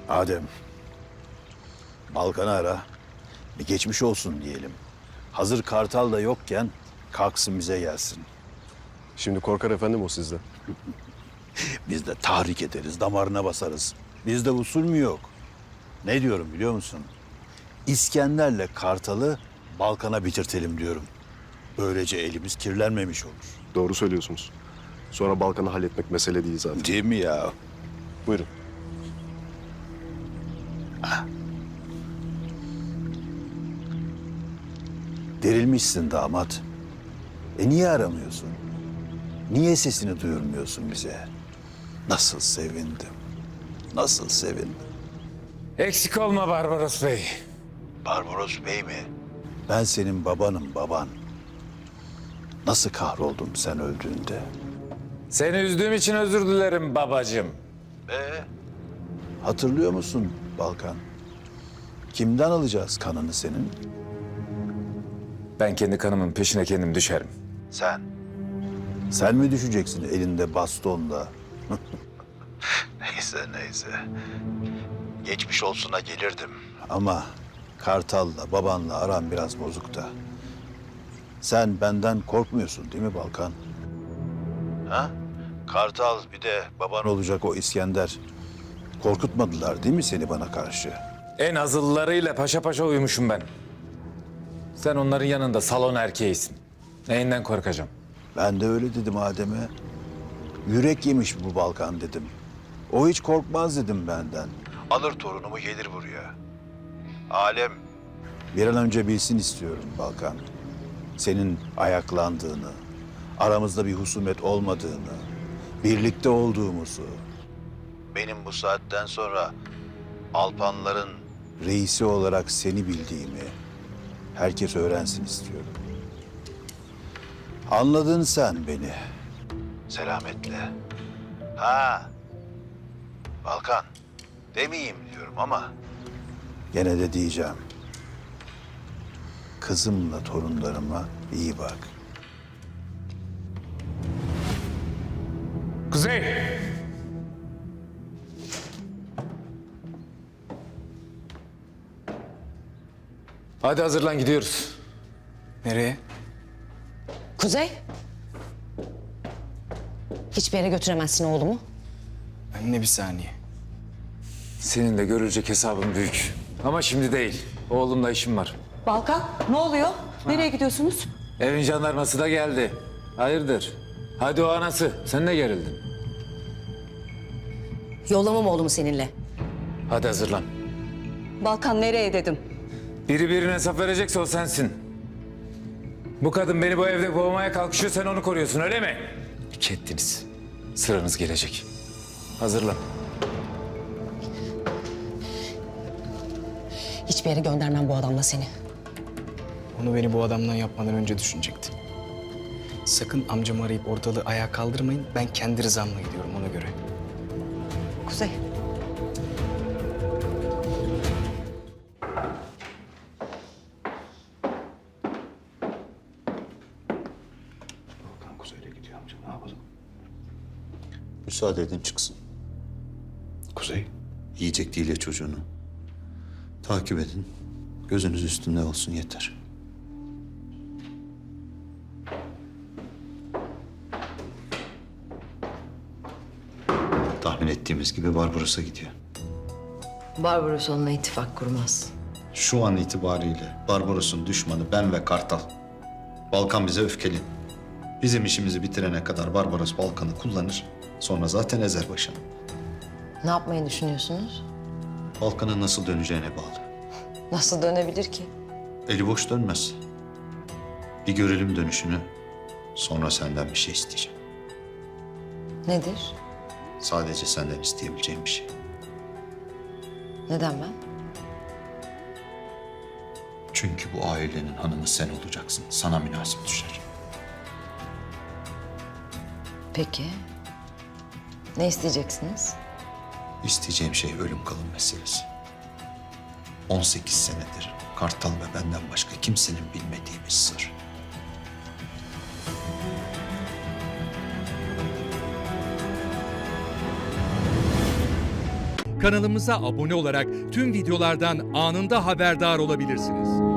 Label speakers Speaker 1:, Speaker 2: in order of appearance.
Speaker 1: Adem, Balkan'ı ara. Bir geçmiş olsun diyelim. Hazır Kartal da yokken kalksın bize gelsin.
Speaker 2: Şimdi korkar efendim o sizden.
Speaker 1: Biz de tahrik ederiz, damarına basarız. Bizde usul mü yok? Ne diyorum biliyor musun? İskender'le Kartal'ı Balkan'a bitirtelim diyorum. Böylece elimiz kirlenmemiş olur.
Speaker 2: Doğru söylüyorsunuz. Sonra Balkan'ı halletmek mesele değil zaten.
Speaker 1: Değil mi ya?
Speaker 2: Buyurun.
Speaker 1: Derilmişsin damat. Niye aramıyorsun? Niye sesini duyurmuyorsun bize? Nasıl sevindim. Nasıl sevindim.
Speaker 3: Eksik olma Barbaros Bey.
Speaker 1: Barbaros Bey mi? Ben senin babanım, baban. Nasıl kahroldum sen öldüğünde?
Speaker 3: Seni üzdüğüm için özür dilerim babacığım.
Speaker 1: Hatırlıyor musun Balkan? Kimden alacağız kanını senin?
Speaker 3: Ben kendi kanımın peşine kendim düşerim.
Speaker 1: Sen. Sen mi düşeceksin elinde bastonla? Neyse. Geçmiş olsuna gelirdim. Ama Kartal'la, babanla aram biraz bozuk da. Sen benden korkmuyorsun değil mi Balkan? Ha? Kartal bir de baban olacak o İskender. Korkutmadılar değil mi seni bana karşı?
Speaker 3: En azıllarıyla paşa paşa uyumuşum ben. Sen onların yanında salon erkeğisin. Neyinden korkacağım?
Speaker 1: Ben de öyle dedim Adem'e. Yürek yemiş bu Balkan dedim. O hiç korkmaz dedim benden. Alır torunumu gelir buraya. Alem bir an önce bilsin istiyorum Balkan. Senin ayaklandığını, aramızda bir husumet olmadığını, birlikte olduğumuzu. Benim bu saatten sonra Alpanların reisi olarak seni bildiğimi herkes öğrensin istiyorum. Anladın sen beni. Selametle. Ha. Balkan. Demeyeyim diyorum ama gene de diyeceğim. Kızımla torunlarıma iyi bak.
Speaker 3: Kuzey! Hadi hazırlan gidiyoruz.
Speaker 4: Nereye?
Speaker 5: Kuzey. Hiçbir yere götüremezsin oğlumu.
Speaker 4: Anne bir saniye.
Speaker 3: Seninle görülecek hesabım büyük. Ama şimdi değil. Oğlumla işim var.
Speaker 5: Balkan, ne oluyor? Nereye gidiyorsunuz?
Speaker 3: Evin jandarması da geldi. Hayırdır? Hadi o anası. Sen de gerildin.
Speaker 5: Yollamam oğlumu seninle.
Speaker 3: Hadi hazırlan.
Speaker 5: Balkan nereye dedim?
Speaker 3: Biri birine hesap verecekse o sensin. Bu kadın beni bu evde boğmaya kalkışıyor, sen onu koruyorsun öyle mi? İki ettiniz. Sıranız gelecek. Hazırlan.
Speaker 5: Hiçbir yere göndermem bu adamla seni.
Speaker 4: Onu beni bu adamdan yapmadan önce düşünecekti. Sakın amcamı arayıp ortalığı ayağa kaldırmayın. Ben kendi rızamla gidiyorum ona göre.
Speaker 5: Kuzey.
Speaker 1: Kuzey'le gidiyor amca, ne yapalım? Müsaade edin çıksın. Kuzey?
Speaker 6: Yiyecek değil ya çocuğunu. Takip edin. Gözünüz üstünde olsun yeter. Tahmin ettiğimiz gibi Barbaros'a gidiyor.
Speaker 7: Barbaros onunla ittifak kurmaz.
Speaker 6: Şu an itibariyle Barbaros'un düşmanı ben ve Kartal. Balkan bize öfkeli. Bizim işimizi bitirene kadar Barbaros Balkan'ı kullanır. Sonra zaten ezer başını.
Speaker 7: Ne yapmayı düşünüyorsunuz?
Speaker 6: Balkan'ın nasıl döneceğine bağlı.
Speaker 7: Nasıl dönebilir ki?
Speaker 6: Eli boş dönmez. Bir görelim dönüşünü. Sonra senden bir şey isteyeceğim.
Speaker 7: Nedir?
Speaker 6: Sadece senden isteyebileceğim bir şey.
Speaker 7: Neden ben?
Speaker 6: Çünkü bu ailenin hanımı sen olacaksın. Sana münasip düşer.
Speaker 7: Peki. Ne isteyeceksiniz?
Speaker 6: İsteyeceğim şey ölüm kalım meselesi. 18 senedir Kartal ve benden başka kimsenin bilmediği bir sır.
Speaker 8: Kanalımıza abone olarak tüm videolardan anında haberdar olabilirsiniz.